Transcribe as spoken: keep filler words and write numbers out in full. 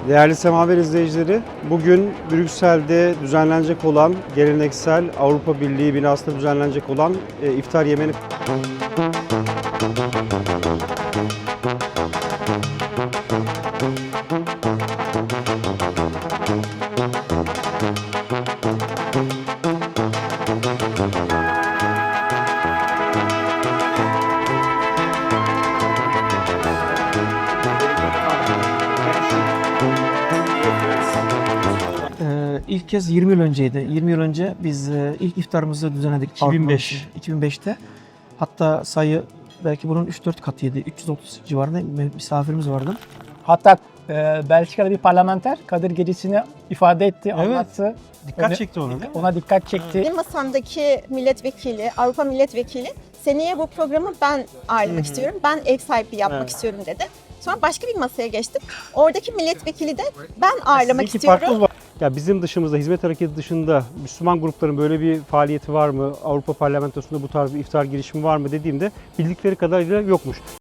Değerli Semaver izleyicileri, bugün Brüksel'de düzenlenecek olan geleneksel Avrupa Birliği binasında düzenlenecek olan e, iftar yemeğini Ee, ilk kez yirmi yıl önceydi. yirmi yıl önce biz e, ilk iftarımızı düzenledik. iki bin beş. Avrupa- iki bin beşte. Hatta sayı belki bunun üç dört katıydı. üç yüz otuz civarında misafirimiz vardı. Hatta e, Belçika'da bir parlamenter Kadir Gecesi'ni ifade etti, Evet. anlattı. Dikkat Onu- çekti ona değil mi? Ona dikkat çekti. Benim masamdaki milletvekili, Avrupa milletvekili seneye bu programı ben ağırlamak istiyorum. Ben ev sahipliği yapmak Evet. istiyorum dedi. Sonra başka bir masaya geçtim. Oradaki milletvekili de ben ağırlamak İki istiyorum. farkımız var. Ya bizim dışımızda, hizmet hareketi dışında Müslüman grupların böyle bir faaliyeti var mı? Avrupa Parlamentosu'nda bu tarz bir iftar girişimi var mı dediğimde bildikleri kadarıyla yokmuş.